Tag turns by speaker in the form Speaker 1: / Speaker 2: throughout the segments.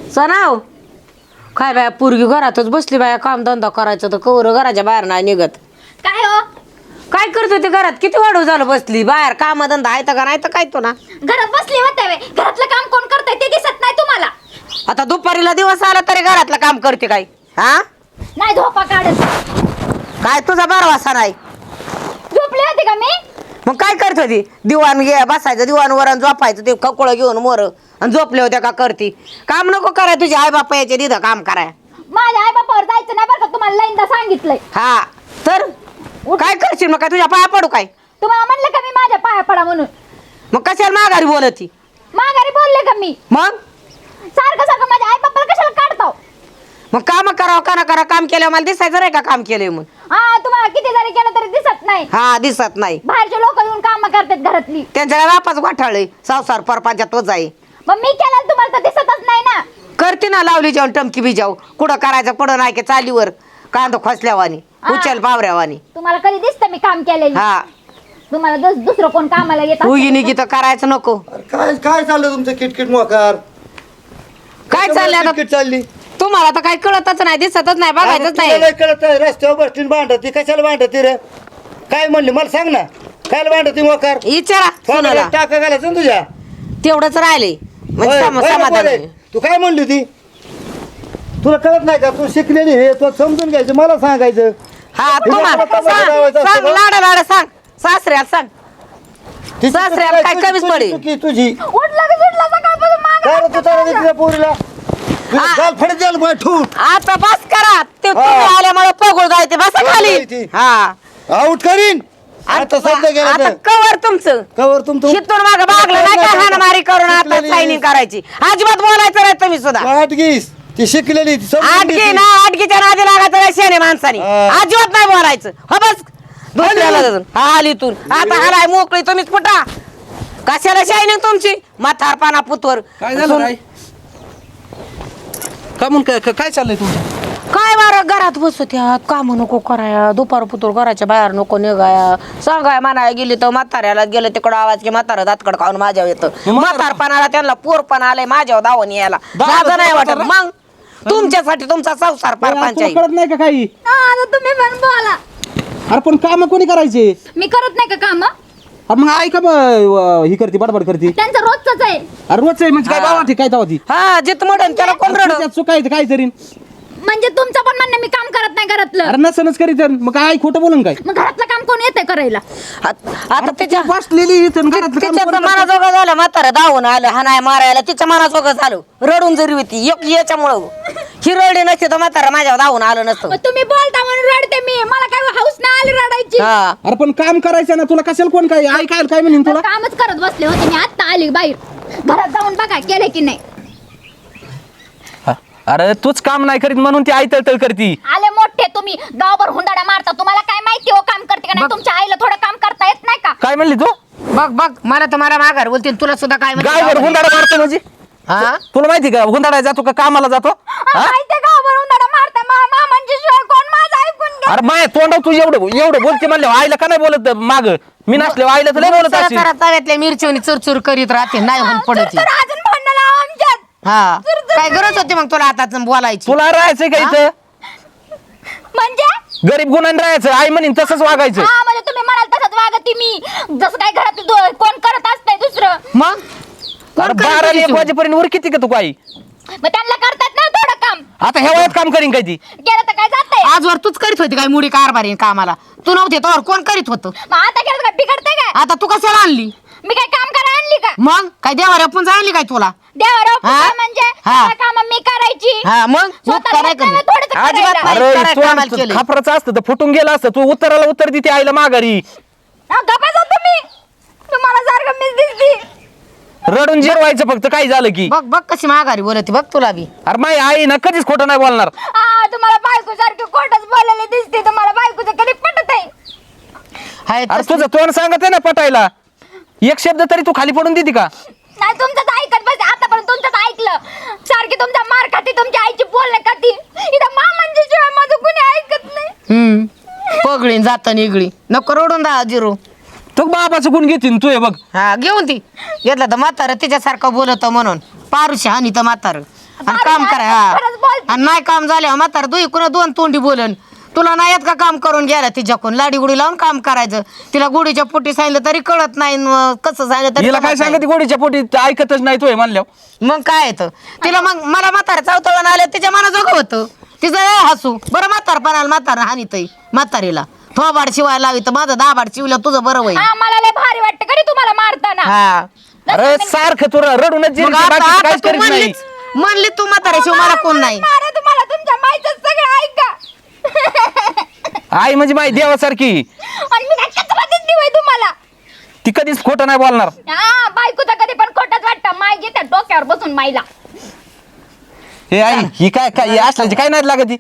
Speaker 1: सणाव काय बाया पोरगी घरातच बसली बाया काम धंदा करायचं तर कवर घराच्या बाहेर नाही निघत.
Speaker 2: काय हो
Speaker 1: काय करतो ते घरात किती वाढू झालं बसली बाहेर काम धंदा आहे का नाही तर काय तो ना
Speaker 2: घरात बसली होते वे घरातलं काम कोण करतंय ते दिसत नाही तुम्हाला.
Speaker 1: आता दुपारीला दिवस आला तरी घरातलं काम करते काय हा
Speaker 2: नाही झोपा काढत.
Speaker 1: काय तुझा बारवासा नाही
Speaker 2: झोपली होती का मी?
Speaker 1: मग काय करत होती दिवाण घे बसायचं दिवाणवर आणि झोपायचं ते ककुळं घेऊन मोर आणि झोपले होत्या का करती काम नको कराय तुझे आई बापा याचे दिधं काम कराय.
Speaker 2: माझ्या आई बापावर जायचं नाही बरं का तुम्हाला लाईनदा सांगितलंय.
Speaker 1: हा तर काय करशील मग काय तुझ्या पाया पडू काय
Speaker 2: तुम्हाला म्हणलं का मी माझ्या पाया पडा म्हणून?
Speaker 1: मग कशाला माघारी बोलती
Speaker 2: माघारी बोलले का मी?
Speaker 1: मग
Speaker 2: सारखं सारखं माझ्या आई बापाला कशाला काढताव?
Speaker 1: मग काम करावं का ना करा काम केलं मला दिसायचं नाही का काम केलंय म्हणून.
Speaker 2: हा तुम्हाला किती जरी केलं तरी दिसत नाही.
Speaker 1: हा दिसत नाही
Speaker 2: बाहेरचे लोक येऊन काम करतात घरातली.
Speaker 1: त्यांच्या बापाच वाठाळय संसार परपांच्या तोच आहे.
Speaker 2: मग मी केलं तुम्हाला तर दिसतच नाही ना.
Speaker 1: करते ना लावली जाऊन टमकी बिजाव कुठं करायचं पुढं नाही की चालीवर कांदा खोसल्यावानी उचल पावऱ्यावानी.
Speaker 2: तुम्हाला कधी दिसतं मी काम केलेलं?
Speaker 1: हा
Speaker 2: तुम्हाला दुसरं कोण कामाला येत
Speaker 1: उगिनी की तर करायचं नको.
Speaker 3: काय काय चाललं तुमचं किटकिट मोकार?
Speaker 1: काय चाललंय आता
Speaker 3: किटकिट चालली
Speaker 1: तुम्हाला तर काही कळतच नाही दिसतच नाही बघायचंच नाही.
Speaker 3: कळत नाही रस्त्यावर बसतील भांडती कशाला भांडती रे? काय म्हणली मला सांग ना काय भांडती मोकार?
Speaker 1: विचारा सोनाला
Speaker 3: टाका घालायचं ना तुझ्या
Speaker 1: तेवढंच राहिले म्हणजे
Speaker 3: होय, होय,
Speaker 1: समाधान
Speaker 3: होय. तू काय म्हणली ती तुला कळत नाही का? तू शिकलेली हे तू समजून घ्यायचं मला सांगायचं.
Speaker 1: हा तुम्हाला सांग लाडा लाडा सांग सासऱ्याला सांग
Speaker 3: ती
Speaker 1: सासऱ्याला काय कमीच पडेल?
Speaker 3: चुकी तुझी
Speaker 2: उठला की सुटला सकाळपासून
Speaker 3: काय रे तू चालला तिच्या पोरीला गाल फडत द्यायला बाय ठून
Speaker 1: आता बस करा ते तुम्ही आल्यामुळे पगोळ जायचे बसा खाली.
Speaker 3: ती.
Speaker 1: हा
Speaker 3: आउट करीन आता सध्या गेला
Speaker 1: आता
Speaker 3: तर.
Speaker 1: कवर तुमचं
Speaker 3: कवर तुमचं
Speaker 1: शितून माग बागलं नाही का हाणामारी करून आता
Speaker 3: शिकलेली.
Speaker 1: सायनिंग करायची अजिबात बोलायचं नाही तुम्ही सुद्धा.
Speaker 3: आटगीस ती शिकलेली ती समजून
Speaker 1: आटकी
Speaker 3: घे
Speaker 1: ना
Speaker 3: ती.
Speaker 1: आटकीच्या नादी लागायचं नाही शेणे माणसाने
Speaker 3: हा.
Speaker 1: अजिबात नाही बोलायचं. हो बस दुसऱ्याला जाऊन. हा आलीतून आता हलाय मोकळी तुम्हीच फुटा कशाला शायनिंग तुमची म्हातारपणा पुतवर
Speaker 4: काय झालं काय का म्हणून काय चाललंय तुमचं?
Speaker 1: काय बारा घरात बसत्यात काम नको कराया दुपार पुतूर घराच्या बाहेर नको निघाया सांगाय म्हणाय गेली तर म्हाताऱ्याला गेलं तिकडं आवाज की म्हातारा दातकड खाऊन माझ्यावर येतं म्हातारपणाला त्यांना पोरपण आलंय माझ्यावर धावून यायला माझं नाही वाटत. मग तुमच्यासाठी तुमचा संसार
Speaker 4: तुला
Speaker 1: परपांचाही
Speaker 4: कळत नाही का काही?
Speaker 2: आता तुम्ही पण बोला.
Speaker 4: अरे पण काम कोणी करायचे?
Speaker 2: मी करत नाही का काम?
Speaker 4: अरे मग ऐका ही करते बडबड करते.
Speaker 2: त्यांचं रोजच आहे.
Speaker 4: अरे रोजच आहे म्हणजे काय बाबा काय तवा ती
Speaker 1: हा जित मडन त्याला कोण रड
Speaker 4: चुकायचं काय तरी.
Speaker 2: म्हणजे तुमचं पण म्हणणं मी काम करत नाही घरातलं.
Speaker 4: अरे नसनच करीत मग काय खोटं बोलून काय?
Speaker 2: मग घरातलं काम कोण येतंय करायला?
Speaker 1: आता त्याच्या
Speaker 4: बसलेली इथं घरातलं काम
Speaker 1: तिच्या
Speaker 4: कोणी करतं?
Speaker 1: मनाजोगं झालं म्हातारा धावून आलं हा नाही मारायला तिच्या मनाजोगं झालं रडून जरी होती याच्यामुळं ही रडली नसते तर म्हातारा माझ्यावर धावून आलं नसतं.
Speaker 2: मग तुम्ही बोलता म्हणून रडते मी. मला काय हाऊस नाही आली रडायची.
Speaker 1: हा
Speaker 4: अरे पण काम करायचं ना तुला कशाला कोण काय ऐकायला काय म्हणेन तुला?
Speaker 2: कामच करत बसले होते मी आता आली बाहेर. घरात जाऊन बघा केले की नाही.
Speaker 5: अरे तूच काम नाही करीत म्हणून ती आई तळतळ करती.
Speaker 2: आले मोठे तुम्ही गावभर हुंडाडा मारता. तुम्हाला काय माहिती हो काम करते का नाही? तुमच्या आईला थोडं काम करता येत नाही का?
Speaker 5: काय म्हणली तू?
Speaker 1: बघ बघ मला तर मला माघार बोलते तुला सुद्धा काय
Speaker 5: गावभर हुंदाडा मारतो म्हणजे
Speaker 1: हा
Speaker 5: तुला माहिती का हुंदाडा जातो का कामाला जातो? हा?
Speaker 2: माहिती गावभर हुंडाडा मारता. म्हणजे शिवाय कोण माझं ऐकून घ्या.
Speaker 5: अरे माय तोंडाव तू एवढं बोलते म्हणले आईला का नाही बोलत माग मी नसले आईला तर लय बोलत असेल.
Speaker 1: तव्यातल्या मिरचीवनी चुरचुर करीत राहते नाही होऊन पडत
Speaker 2: तर अजून भांडण लावा आमच्यात.
Speaker 1: हा काय गरज होती मग तुला आता बोलायची?
Speaker 5: तुला राहायचंय का इथं?
Speaker 2: म्हणजे
Speaker 5: गरीब गुन्हा राहायचं आई म्हणीन तसंच वागायचं.
Speaker 2: हा म्हणजे तुम्ही म्हणाल तसंच वागते मी. जसं काय घरात कोण करत असतंय दुसरं.
Speaker 1: मग
Speaker 5: अरे 12 वाजेपर्यंत वर किती का तू काही
Speaker 2: मग त्यांना करतात ना थोडं काम.
Speaker 5: आता ह्या वयात काम करीन काय ती?
Speaker 2: गेलं तर काय जातंय.
Speaker 1: आजवर तूच करीत होती काय मुडी कारभारी कामाला तू नव्हते तर कोण करीत होतं?
Speaker 2: मग आता गेलं तर काय बिघडतंय काय?
Speaker 1: आता तू कशाला आणली?
Speaker 2: मी काय काम करा आणली का?
Speaker 1: मग काय देवा आपण आणली काय तुला?
Speaker 2: देवाराव
Speaker 1: हा?
Speaker 2: म्हणजे
Speaker 1: हा.
Speaker 2: काम मी करायची.
Speaker 1: हा मग
Speaker 2: स्वतःला
Speaker 1: काय
Speaker 2: येत नाही, थोडंसं करायला.
Speaker 1: अजिबात नाही
Speaker 5: अरे
Speaker 1: करायला कामाला
Speaker 5: तू
Speaker 1: केलंय.
Speaker 5: खापराचं असतं तर फुटून गेलं असतं तू उत्तराला उत्तर देते आईला माघारी.
Speaker 2: हा, गप्पा जा तुम्ही. तुम्हाला सारखं मीच दिसती.
Speaker 5: रडून जिरवायचं फक्त काही झालं की.
Speaker 1: बघ बघ कशी माघारी बोलते बघ तुला बी.
Speaker 5: अरे माई आई ना कधीच खोटं नाही बोलणार.
Speaker 2: हा, तुम्हाला बायको सारखी खोटच बोलायला दिसते. तुम्हाला बायकोचं कधी पटत आहे?
Speaker 1: हाय
Speaker 5: अरे
Speaker 1: तसं-
Speaker 5: तुझं तोंड सांगत आहे ना पटायला एक शब्द तरी तू खाली पडून देते का?
Speaker 2: नाही तुमचंच ऐकत बस. आतापर्यंत तुमचंच ऐकलं. सारखी तुमचा मार खाती तुमच्या आईची बोलणं खाती. इथं मामांच्या शिवाय माझं कुणी ऐकत नाही.
Speaker 1: पगळीन जाता निगळी नको रडून दा जिरू.
Speaker 5: तो बाबाचं गुण घेतीन तू हे बघ.
Speaker 1: हा घेऊन ती घेतलं तर म्हातारं तिच्यासारखं बोलत म्हणून पारुशी हानी तर म्हातारं आणि काम करा हा.
Speaker 2: खरंच बोलते.
Speaker 1: आणि नाही काम झाल्यावर म्हातारा दुई कुणा दोन तोंडी बोलन. तुला नाही येत का काम करून गेला तिच्याकडून लाडी गुडी लावून काम करायचं. तिला गुडीच्या पोटी सांगितलं तरी कळत नाही न कसं सांगितलं तरी
Speaker 5: हिला काय
Speaker 1: कळत नाही.
Speaker 5: सांगते गोडीच्या पोटी ऐकतच नाही तोय म्हणल्यावर.
Speaker 1: मग काय येतं तिला. मग मला म्हातारा चावतळून आलं तिच्या मनाजोगं होतं तिचं हसू. बरं म्हातारपणाला म्हातारा हानीतय म्हातारीला थोबाड शिवायला लावी तर माझं दाबाड शिवलं तुझं बरं होईल.
Speaker 2: हा, मला लय भारी वाटतं कधी तुम्हाला मारताना.
Speaker 1: हा
Speaker 5: अरे सारखं तुला रडूनच जिरते,
Speaker 1: मग आता
Speaker 5: बाकीचं काहीच
Speaker 1: तू
Speaker 5: करीत नाही.
Speaker 1: म्हणली तू म्हातारा शिव मला कोण नाही.
Speaker 2: मारा तुम्हाला तुमच्या माईचं सगळं ऐका.
Speaker 5: आई म्हणजे माई देवासारखी.
Speaker 2: आणि मी काय कचराचीच दिवय तुम्हाला.
Speaker 5: ती कधीच खोटं नाही बोलणार.
Speaker 2: हा, बायकोचं कधी पण खोटंच वाटतं. माय घेते डोक्यावर बसून माईला.
Speaker 5: हे आई ही काय काय असल्याची काय नाही लागत.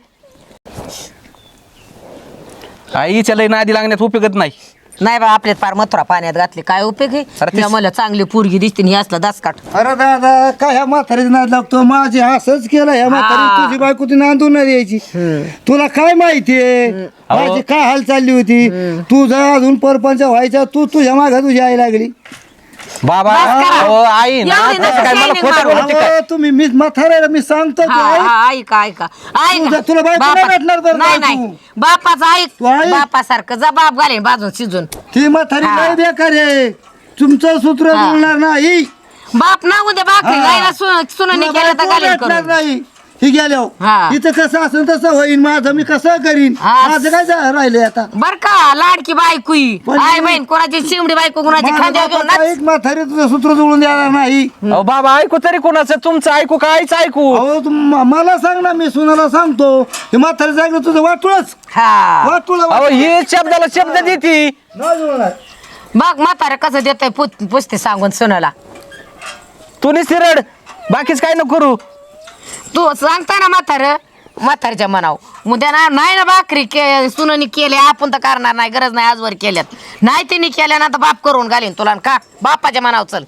Speaker 5: आईच्या लई नादी लागण्यात उपयोगच नाही.
Speaker 1: नाही बा आपल्यात फार मथुरा पाण्यात घातली काय उपयोग
Speaker 5: अरे
Speaker 1: आहे.
Speaker 5: तीस-
Speaker 1: मला चांगली पोरगी दिसते आणि हे असला दासकाट.
Speaker 3: अरे दादा काय ह्या म्हातारीचं नाद लागतो. माझी असंच केलं ह्या म्हातारी तुझी बायको ती नांदून नाही यायची. तुला काय माहितीये माझी काय हाल चालली होती. तू जर अजून परपंच व्हायचा तू तुझ्या मागे तुझी आई लागली.
Speaker 5: बाबा
Speaker 1: बस करा.
Speaker 5: अहो, आई ना
Speaker 1: एवढी
Speaker 5: तसं
Speaker 1: नका
Speaker 5: काय मला
Speaker 1: shining
Speaker 5: खोटं
Speaker 1: मारू.
Speaker 5: बोलते काय.
Speaker 3: अहो, तुम्ही मी म्हाताऱ्याला मी सांगतो तू
Speaker 1: हा,
Speaker 3: ऐक.
Speaker 1: हा, ऐका ऐका ऐका.
Speaker 3: तुला बायको नाही
Speaker 1: बापा-
Speaker 3: भेटणार तर
Speaker 1: नाही
Speaker 3: बायको.
Speaker 1: नाही बापाचा ऐक
Speaker 3: तू ऐक.
Speaker 1: बापासारखं जा बाप घालेन बाजून शिजून.
Speaker 3: ती म्हातारी
Speaker 1: हा.
Speaker 3: लय बेकार आहे. तुमचं सूत्र
Speaker 1: हा.
Speaker 3: जुळणार नाही.
Speaker 1: बाप ना उद्या बाकरी
Speaker 3: हा.
Speaker 1: गायला सुनाने
Speaker 3: तुला
Speaker 1: केलं तर
Speaker 3: बायको
Speaker 1: घालेन
Speaker 3: भेटणार
Speaker 1: करून.
Speaker 3: नाही. ही गेल्या
Speaker 1: हा.
Speaker 3: इथं कसं असेल तसं होईन माझं मी कसं करीन.
Speaker 1: हा.
Speaker 3: माझं काय राहिले आता.
Speaker 1: बर का लाडकी बायकुई
Speaker 3: पण-
Speaker 1: आय बहीण कोणाची शिमडी बायको कोणाची
Speaker 3: माझ्या
Speaker 1: खांद्यावर घेऊन
Speaker 3: बापाचं
Speaker 1: नाच.
Speaker 3: एक म्हातारी तुझं सूत्र जुळून देणार नाही.
Speaker 5: अहो बाबा ऐकू तरी कोणाचं तुमचं ऐकू का आईचं ऐकू.
Speaker 3: अहो मला सांग ना मी सुनाला सांगतो हे म्हातारी सांगितलं तुझं वाटूळच
Speaker 1: हा
Speaker 3: वाटूळ
Speaker 5: अहो ही शब्दाला शब्द देती.
Speaker 3: नाही जुळणार.
Speaker 1: बघ म्हातारा कसं देतय पुसते सांगून सुनाला.
Speaker 5: तू निस्तिरड बाकीच काय नको करू.
Speaker 1: तू सांगता ना म्हातारच्या मनाव उद्या ना नाही ना भाकरी सुनानी केले आपण तर करणार नाही गरज नाही आजवर केल्यात नाही त्यांनी केल्या ना तर बाप करून घालीन तुला का बापाच्या मनाव चल.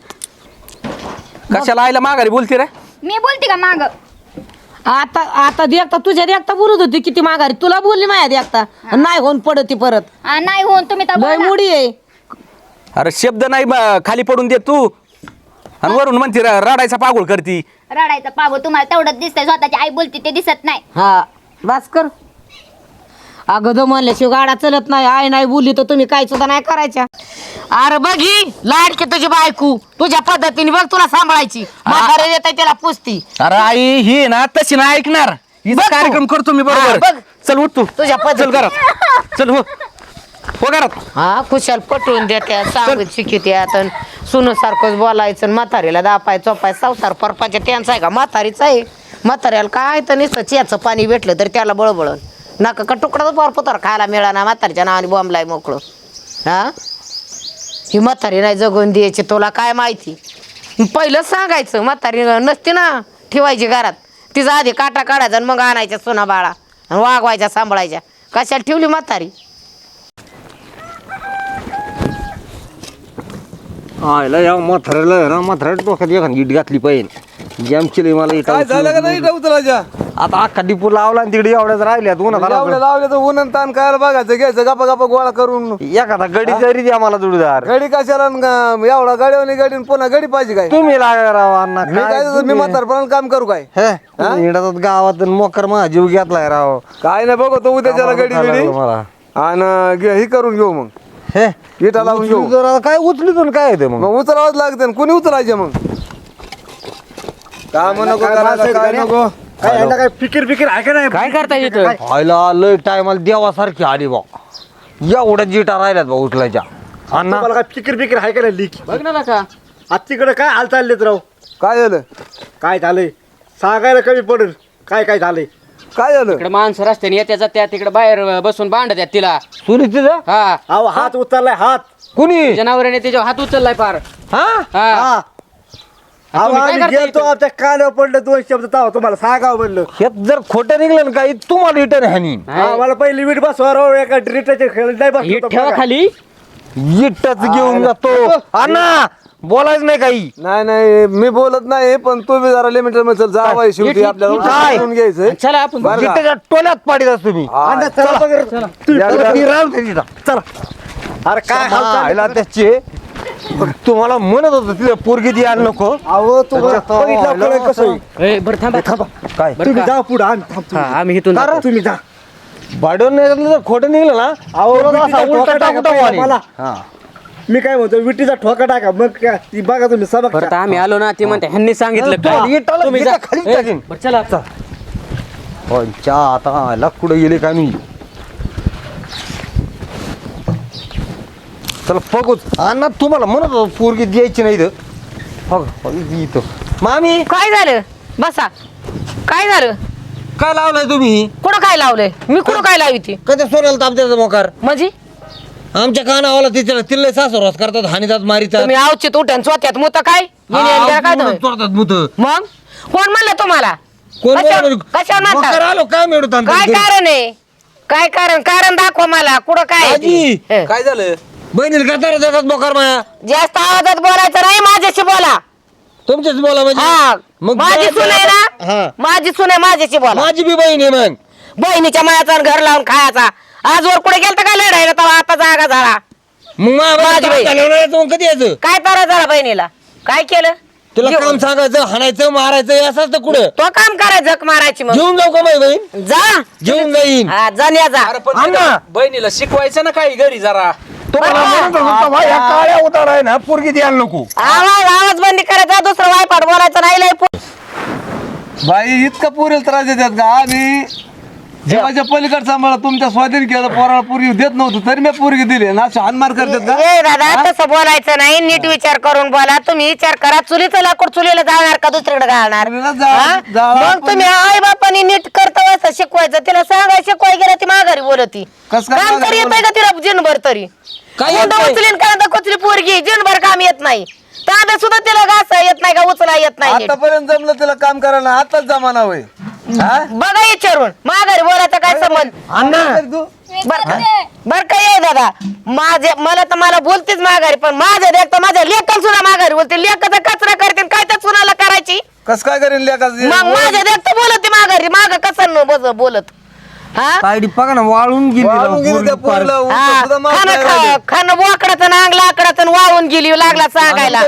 Speaker 5: कशाला आईला माघारी बोलती रे.
Speaker 2: मी बोलते का माग.
Speaker 1: आता आता देखता तुझ्या देखता बोलत होती किती माघारी तुला बोलली माझ्या देखता नाही होऊन पडती परत
Speaker 2: नाही होऊन तुम्ही तर
Speaker 1: लय
Speaker 2: बोला.
Speaker 1: मुडी आहे.
Speaker 5: अरे शब्द नाही खाली पडून दे तू आणि वरून म्हणते रडायचा पागोळ करती.
Speaker 2: रडायचं पागो तुम्हाला तेवढंच दिसतंय. स्वतःची आई बोलते ते दिसत नाही.
Speaker 1: हा बस कर. अगं म्हणल्याशिवाय गाडा चलत नाही आई नाही बोलली तर तुम्ही काय सुद्धा नाही करायच्या. अरे बघ ही लाडकी तुझी बायको तुझ्या पद्धतीने बघ तुला सांभाळायची म्हातारे देत त्याला पुसती.
Speaker 5: अरे आई ही ना तशी ना ऐकणार. हिचा
Speaker 1: बघ तू.
Speaker 5: कार्यक्रम करतो मी
Speaker 1: हा,
Speaker 5: बरोबर.
Speaker 1: बघ.
Speaker 5: चल उठ तू
Speaker 1: तुझ्या
Speaker 5: चल
Speaker 1: पद्धतीने.
Speaker 5: घरात चल हो घरात.
Speaker 1: हा खुशाल पटवून देत्या सांगत शिकित्यात सुन सारखंच बोलायचं आणि म्हातारीला दापाय चोपाय संसार परपाच्या त्यांचा आहे का म्हातारीच आहे. म्हाताऱ्याला काय तर नुसतं चियाचं पाणी भेटलं तर त्याला बळबळण नका का तुकडाच पोर खायला मिळाला म्हातारीच्या नावाने बॉम्बलाय मोकळं. हा ही म्हातारी नाही जगून द्यायची तुला काय माहिती. पहिलं सांगायचं म्हातारी नसती ना ठेवायची घरात तिचा आधी काटा काढायचा आणि मग आणायच्या सोना बाळा आणि वागवायच्या सांभाळायच्या. कशाला ठेवली म्हातारी.
Speaker 6: आयला या म्हाताऱ्याला ना म्हाताऱ्या डोक्यात एखादी ईट घातली पाहिजे. जॅम केली मला इटा
Speaker 4: काय झालं का नाही उचलायच्या
Speaker 6: आता अख्खा डिपू लावला आणि तिकडे एवढ्याच राहिल्यात उन्हात
Speaker 4: एवढ्या
Speaker 6: आला
Speaker 4: लावल्या तर ऊन आणि ताण काय बघायचं घ्यायचं गप्पा गप्पा गोळा करून.
Speaker 6: एखादा गडी जरी द्या मला जोडीदार.
Speaker 4: गडी कशाला एवढा गाडीवानी गाडी पुन्हा गडी पाहिजे काय.
Speaker 6: तुम्ही लागा राव अण्णा
Speaker 4: मी काय मी म्हातारपणाला काम करू काय.
Speaker 6: हिंडातात गावात आणि मोकर माझा जीव घेतलाय राव.
Speaker 4: काय नाही बघतो उद्याच्याला गडी बिडी
Speaker 6: मला
Speaker 4: आणि हे करून घेऊ मग.
Speaker 6: हे
Speaker 4: इटा लावून घेऊ.
Speaker 6: उचलू जरा, काय उचलीतून काय येते मग.
Speaker 4: मग उचलावंच लागते कुणी उचलायचे मग. काय म्हणू नको करायला, काय नको.
Speaker 3: काय यांना काय फिकीर फिकीर आहे का नाही.
Speaker 5: काय करता येतं.
Speaker 6: व्हायला लय टायमाला देवासारखी आली बा. एवढ्या जिटा राहिल्यात बा उचलायच्या. अण्णा
Speaker 3: तुम्हाला काय फिकीर फिकीर आहे का नाही लीक.
Speaker 5: बघ ना का
Speaker 3: आज तिकडे काय हाल चाललेत राव.
Speaker 4: काय झालं
Speaker 3: काय झालंय सांगायला कमी पडेल काय काय झालंय.
Speaker 4: काय झालं.
Speaker 7: इकडे माणसं रस्त्याने येत्या जात्या तिकडे बाहेर बसून भांडत्यात तिला.
Speaker 6: सुनीतीचा
Speaker 7: हा
Speaker 3: अहो हात उचललाय हात.
Speaker 6: कुणी
Speaker 7: जनावराने त्याच्या हात उचललाय फार.
Speaker 6: हा
Speaker 7: हा
Speaker 3: हा अहो
Speaker 7: तुम्ही काय
Speaker 3: आम्ही
Speaker 7: करता
Speaker 3: गेलतो
Speaker 7: इथं?
Speaker 3: आमच्या कानावर पडलं 2 शब्द ताव तुम्हाला सांगावं म्हणलं.
Speaker 6: हे जर खोटं निघलं ना काही तुम्हाला रिटर्न हानी.
Speaker 3: मला पहिली वीट बसवा राव एका ड्रिटाच्या खेळ नाही
Speaker 7: ही
Speaker 3: बसलो
Speaker 7: ठेवा खाली.
Speaker 6: इटच घेऊन जातो अण्णा बोलायच नाही काही.
Speaker 4: नाही नाही मी बोलत नाही पण तू बी जरा लिमिटेड मध्ये चल जा बाई शेवटी आपल्याला
Speaker 6: काय?
Speaker 4: करून घ्यायचंय.
Speaker 7: चला आपण
Speaker 4: बरं का?
Speaker 6: इटच्या टोल्यात पाडीत असतो मी.
Speaker 3: अण्णा, चला बघ रे.
Speaker 6: चला, ती राहून दे तिथं. चला
Speaker 3: अरे काय हाल चालले?
Speaker 6: आयला त्याचे तुम्हाला म्हणत होतं तिला पोरगी द्यायला नको.
Speaker 4: अहो तुम्हाला बघितलं कळलं कसं आहे?
Speaker 7: ए, बरं थांबा
Speaker 6: काय
Speaker 4: तुम्ही जा पुढे आम्ही
Speaker 7: हा, आम्ही इथून जातो.
Speaker 4: तुम्ही जा.
Speaker 6: भाडून जर खोटं निघलं ना
Speaker 4: अहो
Speaker 6: तुला
Speaker 4: विटीचा
Speaker 6: असा उलटा
Speaker 4: ठोका टाका
Speaker 6: टाकून
Speaker 4: पहिला
Speaker 6: टाकू
Speaker 4: मला.
Speaker 6: हा.
Speaker 4: मी काय म्हणतो विटीचा ठोका टाका मग काय ती बघा तुम्ही सबक
Speaker 7: परत आम्ही आलो ना ते म्हणते ह्यांनी सांगितलं
Speaker 6: तो
Speaker 7: काय
Speaker 6: इटाला
Speaker 7: तुम्ही जा.
Speaker 6: इटा खाली
Speaker 7: ए,
Speaker 6: टाकीन.
Speaker 7: बरं चला
Speaker 6: पंचा आता आला कुठे गेले काय नाही. चला बघूच अण्णा तुम्हाला म्हणत होतो पोरगी द्यायची नाही इथं मामी
Speaker 1: काय झालं बसा काय झालं
Speaker 6: काय लावलाय तुम्ही
Speaker 1: कुठं काय लावलंय मी कुठं काय लावी ती
Speaker 6: कधी सोडायला तापत्याचा मोकार
Speaker 1: म्हणजे
Speaker 6: आमच्या कानावाला तिथे तिल्ले सासुरास करतात हानीतात मारितात
Speaker 1: तुम्ही आवचित उठ्यान स्वत्यात मुत काय काय तुम्ही?
Speaker 6: मुत
Speaker 1: मग कोण म्हणलं तुम्हाला
Speaker 6: कोण
Speaker 1: कशावर- कशावर
Speaker 6: मोकार
Speaker 1: म्हणता?
Speaker 6: आलो काय मिळत
Speaker 1: काय कारण आहे काय कारण दाखवा मला कुठं काय आहे
Speaker 6: आजी.
Speaker 1: ते? हं.
Speaker 5: काय झालं
Speaker 6: बहिणीला का तर देतात मोकार माया
Speaker 1: जास्त आवाजात बोलायचं नाही माझ्याशी बोला
Speaker 6: तुमच्याच बोला म्हणजे
Speaker 1: हा
Speaker 6: मग
Speaker 1: माझी
Speaker 6: बोला-
Speaker 1: सून आहे
Speaker 6: हा.
Speaker 1: ना माझी सून आहे माझ्याशी बोला
Speaker 6: माझी बी बहीण आहे मग
Speaker 1: बहिणीच्या मायाचा आणि घर लावून खायचा आजवर कुठे गेलता काय लढायला तेव्हा आता जागा झाला
Speaker 6: मग
Speaker 1: माझी बहीण.
Speaker 6: मग कधी यायचं
Speaker 1: काय तारा झाला बहिणीला काय केलं
Speaker 6: तुला
Speaker 1: जेव-
Speaker 6: काम सांगायचं हाणायचं मारायचं असं असतं कुठं
Speaker 1: तो काम करायचं झक मारायची मग
Speaker 6: घेऊन जाऊ का माझी बहीण
Speaker 1: जा
Speaker 6: घेऊन जाईन
Speaker 1: हा जाण्या जा
Speaker 5: अरे पण
Speaker 6: अण्णा.
Speaker 5: तिला बहिणीला शिकवायचं ना काही घरी जरा
Speaker 6: तुम्हाला म्हणत होतो तेव्हा या काळ्या उतार आहे ना पोरगी द्यायला नको
Speaker 1: आवाज बंदी करायचा दुसरं वायपाट बोलायचं नाही लय
Speaker 4: बाई इतका पुरेल त्रास देतात का आम्ही जेव्हाच्या पलीकडे सांभाळा तुमच्या स्वाधीन केलं पोराला पोरगी देत नव्हतं तरी मी पोरगी दिली ना अशा हानमार करतात का
Speaker 1: ए दादा तसं बोलायचं नाही नीट विचार करून बोला तुम्ही विचार करा चुलीचं लाकूड चुलीला जाणार का दुसरीकडे घालणार
Speaker 4: चुलीला जा-
Speaker 1: हा?
Speaker 4: जाळा
Speaker 1: मग तुम्ही आई बापानी नीट करता असं शिकवायचं तिला सांगाय शिकवाय गेला ती माघारी बोलती
Speaker 4: कसं काय
Speaker 1: काम
Speaker 4: माघारी
Speaker 1: तरी येत का तिला जिनभर तरी
Speaker 6: काय येत
Speaker 1: मुंडं
Speaker 6: नाही?
Speaker 1: उचलीन कांदा कोचली पोरगी जिनभर काम येत नाही तांब्या सुद्धा तिला घासा येत नाही का उचला येत नाही नीट.
Speaker 4: आतापर्यंत जमलं तिला काम करायला आताच जमाना होय हा?
Speaker 1: बघा विचारून माघारी बोलायचा काय संबंध
Speaker 6: अण्णा
Speaker 4: तू
Speaker 1: बर काय आहे दादा मला बोलतेच माघारी पण माझ्या देखता माझ्या लेखन सुद्धा माघारी बोलते लेखाचा कचरा करते काय त्या सुनाला करायची
Speaker 4: कस काय करेन लेखाचं?
Speaker 1: मग माझ्या देखता बोलते माघारी माग कसं बोलत हा
Speaker 6: तायडी बघा ना वाळून
Speaker 4: वाळून गेली त्या पोरीला,
Speaker 6: गेली
Speaker 4: उलटं सुद्धा माफ नाही राहिलं.
Speaker 1: खाणं बोकडाचं अंग लाकडाचं वाहून गेली लागला सांगायला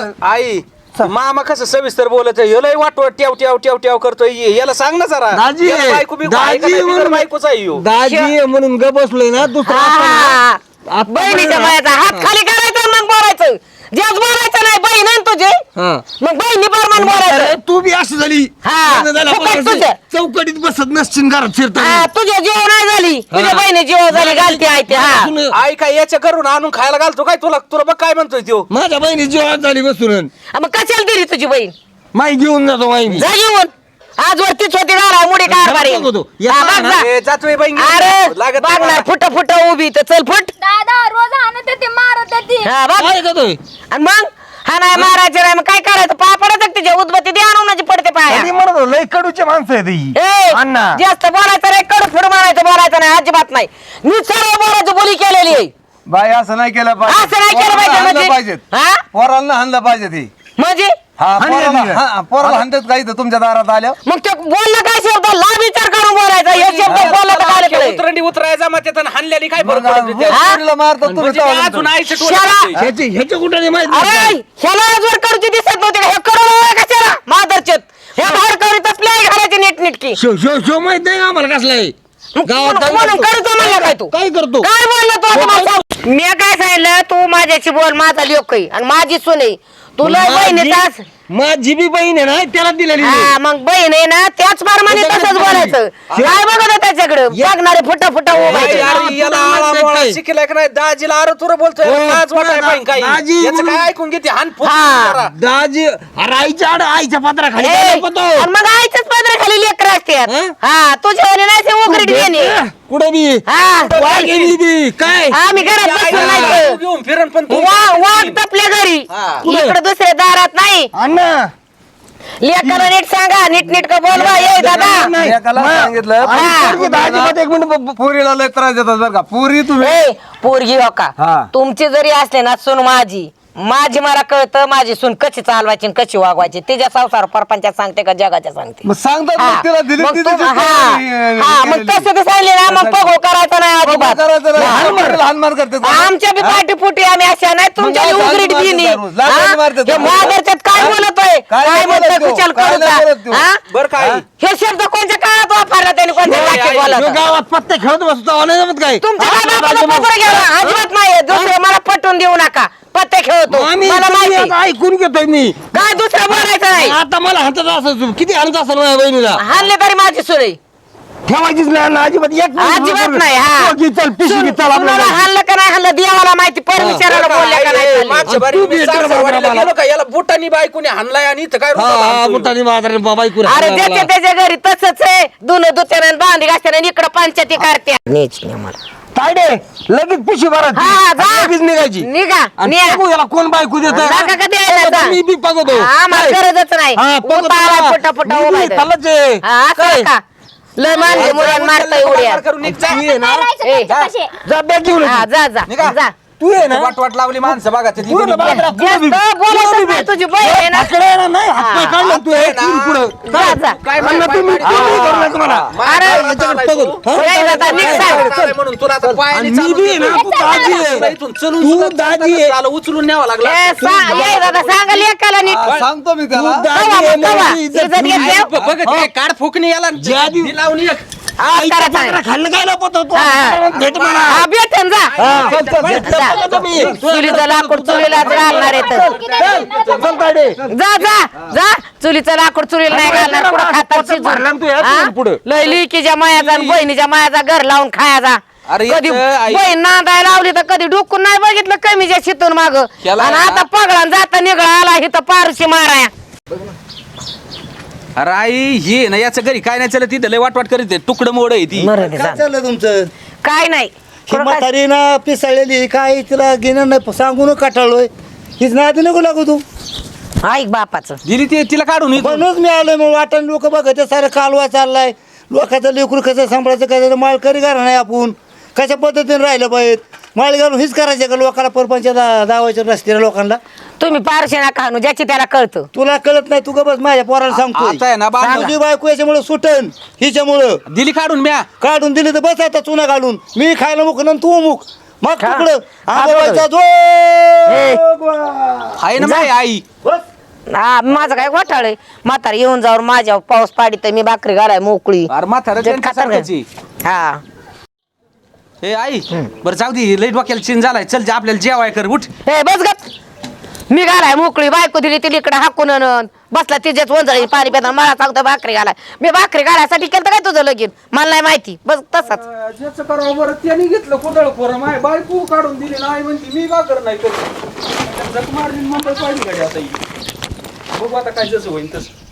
Speaker 5: आई मामा कसं सविस्तर बोलत लय वाटवट ट्याव ट्याव ट्याव ट्याव करतोय याला सांग ना जरा
Speaker 6: दाजी
Speaker 5: याला बायको बिको आहे का नाही? बिगर बायकोच आहे ह्यो.
Speaker 6: दाजी आहे म्हणून ग बसलोय ना दुसरा
Speaker 1: हा.
Speaker 6: आता
Speaker 1: बहिणीच्या मायाचा हात खाली करायचा मग बोलायचं जेच बोलायचं नाही बहीण आहे ना तुझी
Speaker 6: हा.
Speaker 1: मग बहिणी प्रमाण बोलायचं
Speaker 6: अरे, तू बी अशी झाली
Speaker 1: हा.
Speaker 6: लग्न झालं
Speaker 1: फुकट
Speaker 6: आपण
Speaker 1: तुझं.
Speaker 6: अशी चौकटीत बसत नसशील घरात फिरता
Speaker 1: हा, तुझ्या जीव नाही झाली तुझ्या बहिणी जीव झाली घालते आहे ते हा
Speaker 5: आई काय याच्या करून आणून खायला घालतो काय तुला तुला बघ काय म्हणतोय त्यो
Speaker 6: माझ्या बहिणी जीवात झाली बसून
Speaker 1: मग कशाला दिली तुझी बहीण
Speaker 6: माई घेऊन जातो माई मी
Speaker 1: जा घेऊन आज वरतीच होती गाडा मुडी कारभारी
Speaker 6: घरात बघतो. या
Speaker 1: हा, बघ
Speaker 6: ना.
Speaker 1: जा.
Speaker 5: ए, जातोय बाई
Speaker 1: अरे
Speaker 5: लागत नाही
Speaker 1: बघणार
Speaker 5: मला.
Speaker 1: फुट फुट उभी तर चल फुट
Speaker 2: दादा रोज आणत येते मारत येते
Speaker 1: हा बघ
Speaker 6: काय करतोय
Speaker 1: आणि मग हा नाही मारायचं नाही मग काय करायचं पाय पडायचं तिच्या उदबत्ती द्या आणून पडते पाया
Speaker 6: कधी म्हणत होतो, लय कडूचे माणसं आहेत ही.
Speaker 1: ए,
Speaker 6: अण्णा
Speaker 1: जास्त बोलायचं नाही कडू फिर मारायचं बोलायचं नाही अजिबात नाही मी सर्व बोलायचं बोली केलेली आहे
Speaker 4: बाई असं नाही केलं
Speaker 1: असं नाही केलं पाहिजे
Speaker 4: पोराला
Speaker 1: म्हणजे
Speaker 4: पाहिजे
Speaker 1: हा
Speaker 4: पोराला हाणलं पाहिजे ती
Speaker 1: म्हणजे
Speaker 4: हा
Speaker 6: हाणलं
Speaker 4: पोराला
Speaker 6: तिला.
Speaker 4: हा, पोराला हाणतात का इथं तुमच्या दारात आल्या
Speaker 1: मग ते बोललं काय शब्द लाभ विचार करून बोलायचा हे शब्द बोललं तर काय
Speaker 5: अख्ख्या
Speaker 1: कळेल?
Speaker 5: उतरंडी उतरायचा मग त्यानं हाणल्याने काय फरक
Speaker 4: मग
Speaker 5: पडतो त्या?
Speaker 1: हा?
Speaker 4: पोरीला मारतात तुम्ही
Speaker 5: म्हणजे
Speaker 4: तेव्हा
Speaker 5: ते अजून
Speaker 4: नंतर.
Speaker 5: आईचं टोळ
Speaker 1: शाळा.
Speaker 5: करतोय.
Speaker 6: ह्याचे कुठे नाही माहित
Speaker 1: अरे
Speaker 6: नाही.
Speaker 1: ह्याला आजवर करूची दिसत नव्हते का हे करू कशाला मादरचेत हे बाहेर करीत असले घराची नीटनीटकी
Speaker 6: शो शो शो माहित नाही आम्हाला कसला आहे गावात काय
Speaker 1: म्हणून
Speaker 6: करतो?
Speaker 1: करतो म्हणला काय तू
Speaker 6: काय करतो
Speaker 1: काय बोललो तू आता मला सांग. मी काय सांगितलं तू माझ्याशी बोल माझा लोक आणि माझी सून आहे तुला बहिणीचाच
Speaker 6: माझी बी बहीण आहे ना त्याला दिलेली आहे.
Speaker 1: हा मग बहीण आहे ना त्याच प्रमाणे तसंच बोलायचं काय बघत त्याच्याकडे बघणारे फुटा फुटा
Speaker 5: बाई,
Speaker 1: उभायचे
Speaker 5: अरे याला आळा मोळा शिकलाय का नाही दाजीला अरे तुला बोलतोय
Speaker 6: हो,
Speaker 5: लाज वाटाय पाहिजे काही
Speaker 6: दाजी
Speaker 5: याचं
Speaker 6: म्हणून-
Speaker 5: काय ऐकून घेते हान फुट
Speaker 1: हा.
Speaker 5: जरा.
Speaker 6: दाजी अरे आईच्या आड आईच्या पत्राखाली
Speaker 1: ए,
Speaker 6: काय लपतो?
Speaker 1: आणि मग आईच्याच पदराखाली लेकर असतात
Speaker 6: हं?
Speaker 1: हा तुझ्या वाली नाही ते उघडीत घेणे
Speaker 6: कुठे बी
Speaker 1: हा
Speaker 6: वाघ गेली बी काय
Speaker 1: आम्ही घरात
Speaker 5: आई
Speaker 1: बसून
Speaker 5: बाई
Speaker 1: नाही
Speaker 5: घेऊन फिरण पण तू
Speaker 1: वाघ तपल्या घरी
Speaker 5: हा.
Speaker 1: इकडे दुसऱ्या दारात नाही
Speaker 6: अण्णा
Speaker 1: लेकरला नीट सांगा नीट का बोलवा ये दादा
Speaker 6: नाही.
Speaker 4: एकाला
Speaker 6: मा-
Speaker 4: सांगितलं
Speaker 6: आणि
Speaker 1: हा.
Speaker 6: पोरगी दाजीमध्ये एक मिनिट
Speaker 4: पुरीला लय त्रास देतात बरं का पुरी तुम्ही
Speaker 1: ए पोरगी हो का
Speaker 4: हा.
Speaker 1: तुमची जरी असले ना सून माझी माझी मला कळतं माझी सून कशी चालवायची आणि कशी वागवायची तिच्या संसार परपंचात सांगते का जगाच्या सांगते
Speaker 4: मग सांगतात
Speaker 1: हा.
Speaker 4: मग तिला दिली
Speaker 1: मग
Speaker 4: ती
Speaker 1: तू-
Speaker 4: तिची
Speaker 1: हा.
Speaker 4: केलेली.
Speaker 1: हा, मग तसं ते सांगले ना मग पगो करायचा नाही अजिबात
Speaker 4: करायचं नाही. हानमार करतात.
Speaker 1: आमच्या बी पाठी पुटी आम्ही अशा नाही तुमच्या
Speaker 4: मग
Speaker 1: उघडीत
Speaker 4: लाज
Speaker 1: बिनी
Speaker 4: मारतात दररोज. लाज मारतात.
Speaker 1: मादरच्यात काय बोलतोय
Speaker 4: काय
Speaker 1: काय
Speaker 4: नाही
Speaker 1: म्हणतोय
Speaker 4: बोलत तो.
Speaker 1: खुशाल
Speaker 4: काय नाही बोलत
Speaker 1: करू
Speaker 4: तो.
Speaker 1: हा
Speaker 5: बर काय
Speaker 1: हे शब्द कोणत्या काळात वापरला त्यांनी कोणत्या वाक्यात
Speaker 6: ह्यो
Speaker 1: बोलत
Speaker 6: गावात पत्ते खेळत बसतो नाही जमत काय
Speaker 1: तुमच्या काय बापाला पत्र घ्यावा अजिबात नाही दुसरं मला पटवून देऊ नका पत्ते खेळतो
Speaker 6: आम्ही
Speaker 1: मला
Speaker 6: तुम्ही
Speaker 1: माहिती
Speaker 6: आता ऐकून घेतोय मी
Speaker 1: काय दुसरं बोलायचं नाही
Speaker 6: आता मला हातात असं किती हाणत असेल माझ्या बहिणीला
Speaker 1: हाणले तरी माझी सुरई
Speaker 6: ठेवायचीच नाही ना अजिबात एक
Speaker 1: अजिबात नाही हा
Speaker 6: हो की चल पिशवी घे, चल
Speaker 1: कुणाला
Speaker 6: आपल्याला.
Speaker 1: हाणलं का नाही हाणलं देवाला माहिती परमेश्वराला बोलल्या का नाही चालले.
Speaker 5: मागच्या बारी
Speaker 6: तू
Speaker 5: मी
Speaker 6: भेट
Speaker 5: सासरवाडीला
Speaker 6: करा बाबा
Speaker 5: गेलो का याला बुटानी बायकोने हाणलाय आणि इथं काय
Speaker 6: हा
Speaker 5: रुबाब
Speaker 6: हा
Speaker 5: हाणतोय?
Speaker 6: मुठाने बाजारे बाबा ऐकून
Speaker 1: अरे ज्याच्या त्याच्या घरी तसंच आहे दोन दुत्यानं बांधी घासत्यानं इकडं पंचायती करते न्यायची नाही मला
Speaker 6: तायडे लगेच पिशवी भरायची
Speaker 1: हा, जा.
Speaker 6: आणि लगेच निघायची
Speaker 1: निघा
Speaker 6: आणि
Speaker 1: न्या.
Speaker 6: बघू याला कोण बायको देत
Speaker 1: नका का द्यायला जा.
Speaker 6: मी बी बघतो
Speaker 1: आम्हाला गरजच नाही उतारा फुटा फुटा उभा आहे. हा, असं का लय मानले मुलांना मारता उड्या
Speaker 5: मार करून निघ जा.
Speaker 2: काय राहायचं
Speaker 1: ए,
Speaker 2: त्यांच्यापाशी?
Speaker 6: जा बॅग घेऊन
Speaker 1: हा जा जा
Speaker 5: निघा.
Speaker 1: जा
Speaker 6: तू ये ना
Speaker 5: वाट लावली माणसं बघा ते
Speaker 6: तू ये ना बाजारात, तू
Speaker 1: जास्त
Speaker 6: बी-
Speaker 1: बोलायचं
Speaker 6: तू बी-
Speaker 1: नाही, तुझी बहीण आहे ना
Speaker 6: हाकडे आहे ना, नाही हातपाय काढले तू हे तीन पुढं.
Speaker 1: जा जा
Speaker 5: काय
Speaker 6: आणि तुम्ही तुम्ही करू नका मला.
Speaker 1: अरे
Speaker 6: याच्याकडे बघू. हा?
Speaker 1: नाही जाता, निघ सांग.
Speaker 5: म्हणून तुला आता
Speaker 6: आणि
Speaker 5: पायाने
Speaker 6: मी
Speaker 5: चालून
Speaker 6: बी आहे ना,
Speaker 5: गेलो.
Speaker 6: तू दाजी
Speaker 5: तुला
Speaker 6: आहे.
Speaker 5: इथून चलून
Speaker 6: तू
Speaker 5: सुद्धा
Speaker 6: दाजी आहे.
Speaker 5: चालत उचलून न्यावं लागला
Speaker 1: ए, ये दादा सांगा लेकाला नीट
Speaker 4: हा, सांगतो मी त्याला
Speaker 6: तू दाजी
Speaker 1: कवा
Speaker 6: आहे,
Speaker 1: मग कवा?
Speaker 6: माझी इज्जत
Speaker 1: इज्जत
Speaker 6: ठेवली.
Speaker 1: घेतली?
Speaker 5: बघ काय काढ फुकणी याला
Speaker 6: ज्या दिव-
Speaker 5: ही लावून एक
Speaker 6: आईच्या
Speaker 1: करायचं आहे.
Speaker 6: बकरा खाल्लं काय लपत होतो?
Speaker 1: हा, हा.
Speaker 6: भेट म्हणा.
Speaker 1: हा भेटन जा
Speaker 6: हा, चल, चल, भेट
Speaker 1: जा.
Speaker 6: लपत होतो मी.
Speaker 1: चुलीचं लाकूड चुलीला घालणार आहे तर.
Speaker 6: चल, तायडे.
Speaker 1: जा जा जा चुलीचं लाकूड चुलीला नाही घालणार पुढं खातात
Speaker 6: भरला ना तू या
Speaker 1: शिजून
Speaker 6: चुलीला पुढं.
Speaker 1: लय लिकीच्या मायाचा आणि बहिणीच्या मायाचा घर लावून खायचा
Speaker 5: अरे
Speaker 1: कधी
Speaker 5: इथं आई-
Speaker 1: बहीण नांदाय लावली तर कधी डुकून नाही बघितलं कमीच्या शितून माग आणि
Speaker 5: केला
Speaker 1: आता पगळा जाता निघळा आला इथं पारशी माराया
Speaker 5: अरे आई हे ना याचं घरी काय नाही चालत तिथं लय वाट करीत तुकडं मोड आहे ती
Speaker 1: मरू दे
Speaker 3: काय
Speaker 1: जा.
Speaker 3: चाललं तुमचं
Speaker 1: काय नाही
Speaker 3: ही म्हातारी ना पिसाळलेली काय तिला घेणं नाही सांगून काटाळलोय हीच नादी नको लागू तू
Speaker 1: ऐक बापाचं
Speaker 5: दिली ती तिला काढून इथून.
Speaker 3: म्हणूनच मी आलोय मग वाटण लोक बघत सारं कालवा चाललाय लोकांचं लेकरू कसं सांभाळायचं कसं माळकरी घरा नाही आपण कशा पद्धतीने राहिलं पाहिजे माळ घालून हीच करायचं का लोकांना परपंच दावायचं रस्त्याला लोकांना
Speaker 1: तुम्ही पारशी ना खाणू ज्याची त्याला कळतं
Speaker 3: तुला कळत नाही तू का बस माझ्या पोराला
Speaker 5: आता आहे ना,
Speaker 3: सांगतो
Speaker 5: बांधा.
Speaker 3: तुझी बायको याच्यामुळे सुटन हिच्यामुळं
Speaker 5: दिली काढून म्या
Speaker 3: काढून दिली तर बस आता चुना घालून मी खायला मुक आणि तू मुक मग
Speaker 1: खा.
Speaker 3: तुकडं
Speaker 1: खा
Speaker 3: आंबोबाईचा
Speaker 1: ए.
Speaker 5: आहे ना माझी आई
Speaker 3: बस
Speaker 1: हा माझं काय घोटाळ आहे म्हातारी येऊन जाऊन माझ्या पाऊस पाडी तर मी भाकरी घालाय मोकळी
Speaker 5: अरे म्हातारं
Speaker 1: जे
Speaker 5: त्यांच्या
Speaker 1: खातात का?
Speaker 5: सारख्याची.
Speaker 1: हा
Speaker 5: हे आई बरं जाऊ दे लई डोक्याला चिन झालाय चल जे आपल्याला जेवाय कर उठ
Speaker 1: हे बस गप मी घालाय मोकळी बायको दिली तिला इकडे हाकून आणून बसला तिच्याच वंजळी पाणी पिताना मला सांगतो भाकरी घालाय मी भाकरी घालायसाठी केलं काय तुझं लगीन मला नाही माहिती बस तसाच
Speaker 5: ज्याचं करावं बरं त्याने घेतलं कुदळ खोरं माय बायको काढून दिली नाही म्हणते मी का कर नाही करत जग मारली मुंबई पाहिजे गाडी आता ही. बघू आता काय जसं होईल तसं